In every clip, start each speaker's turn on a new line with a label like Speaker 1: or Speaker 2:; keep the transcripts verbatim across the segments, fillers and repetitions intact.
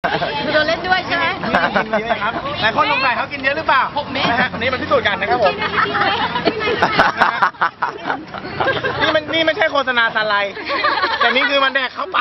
Speaker 1: โดนเล่นด้วยใช่ไหม
Speaker 2: กินเยอะครับหลายคนสงสัยเขากินเยอะหรือเปล่าหกเม็ดนะฮะวันนี้มาพิสูจน์กันนะครับผมนี่มันนี่ไม่ใช่โฆษณาซันไลท์แต่นี่คือมันแดกเข้าไป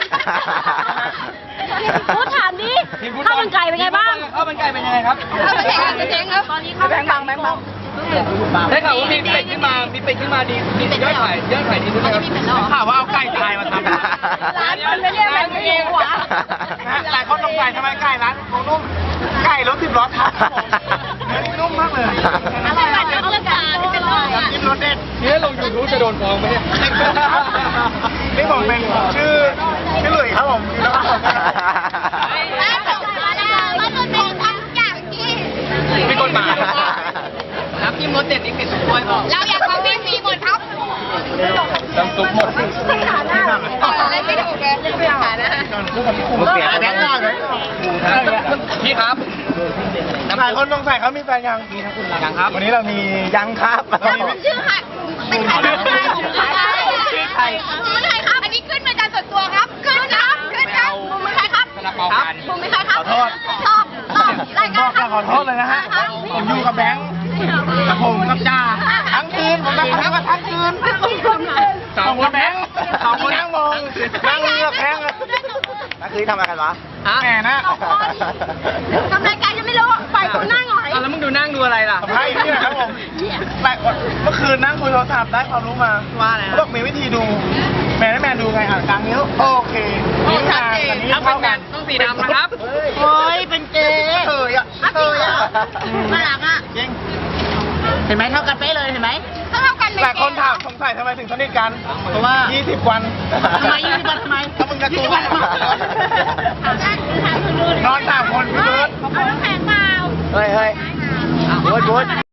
Speaker 1: พูดถามดิข้าวมันไก่เป็นไงบ้าง
Speaker 3: ข้าวมันไก่เป็นยังไงครับ
Speaker 1: ข้าวมันไก่เป็นเจ๊งครับตอนนี้ข้าวแบงค์บังแบงค์บัง
Speaker 3: ได้ข่าวว่ามีเป็ดขึ้นมา มีเป็ดขึ้นมาดีมียอดขายยอดขายดีด้วยครับ
Speaker 2: ข่าวว่าเอาไก่ตายมาทำ
Speaker 1: ร้านมันไม่เรียกอะไรไม่เรียกวะ
Speaker 2: หลายคนสงสัยทำไมไก่ร้านของนุ่มไก่รถสิบล้อทับเนื้อนี่นุ่มมากเลย
Speaker 1: อะไรกันข้าวมันไก่เป็นร้อยอ่ะ
Speaker 2: กินรสเด็ด
Speaker 3: นี่ลงยูทูบจะโดนฟ้องไหมเนี่ย
Speaker 2: นี่ผมเป็นชื่อชื่อหลุยครับผมแล้วก็ผม
Speaker 1: ร้านของร้านอะไรร้านมันเป็นทั้งอย่างที่
Speaker 3: มีกฎหมายน้ำจิ้มรสเด็ดนี่เผ็ดทุกถ้วยบอก
Speaker 1: เราอยากของพี่มีหมดครับ
Speaker 3: น้ำซุปหมด
Speaker 1: ขาหน้าเล่นไม่ถูกเลยเล่นไม่ขาหน้า
Speaker 2: ผมเปลี่ยนแบงค์ก่อนเลย
Speaker 3: พี่ครับ
Speaker 2: หลายคนสงสัยเขามีแฟนยังมีทั้งคุณยังครับ วันนี้เรามียังครับ
Speaker 1: ชื่อหัดเป็นใครชื่อใครชื่อใครครับ อันนี้ขึ้นเป็นการส่วนตัวครับ ขึ้นครับขึ้นครับมุมเป็นใครครับ
Speaker 3: ซาลาเปากัน
Speaker 1: มุมเป็นใครครับ
Speaker 2: ขอโทษ
Speaker 1: ตอบตอบราย
Speaker 2: บ
Speaker 1: การ
Speaker 2: อกจะขอโทษเลยนะฮะ ผมอยู่กับแบงค์กับผมกับจ้าทั้งคืน ผมกับเขาก็ทั้งคืนสองคนแบงค์สองคนนั่งมองนั่งเลือกแบงค์เลยนักคืนทำอะไรกันวะแหมนะ
Speaker 1: ทำรายการยังไม่รู้ปล่อยคนนั่งหน่อย
Speaker 3: แล้วมึงดูนั่งดูอะไรล่ะ
Speaker 2: สัมภาษณ์อีกทีนะครับผมหลายคนเมื่อคืนนั่งคุยโทรศัพท์ได้ความรู้มา
Speaker 3: ว่าอะไร
Speaker 2: เขาบอกมีวิธีดู แมนแมนดูไงอ่ะกลางนิ้วโอเคนิ้วกลางกับนิ้วเท่ากัน
Speaker 3: ต้องสีดำนะครับ
Speaker 2: โอ้ยเป็นเกย์เฮ้ยอ่ะเฮ้ยอ่ะ
Speaker 1: มาหลังอ่ะ
Speaker 2: จริง
Speaker 1: เห็นไหมเท่ากันเป๊ะเลยเห็นไหมเท่ากัน
Speaker 2: หลายคนถามสงสัยทำไมถึงสนิทกัน เพราะว่ายี่สิบวัน
Speaker 1: ทำไมยี่สิบวันทำไม
Speaker 2: ถ้ามึงกระตุ้น
Speaker 1: ถามถามคุณดู
Speaker 2: นอนสามคนพี่เบิร์ด
Speaker 1: เอาน้ำแข็งเปล่า
Speaker 2: เฮ้ยเฮ้ยบูดบูด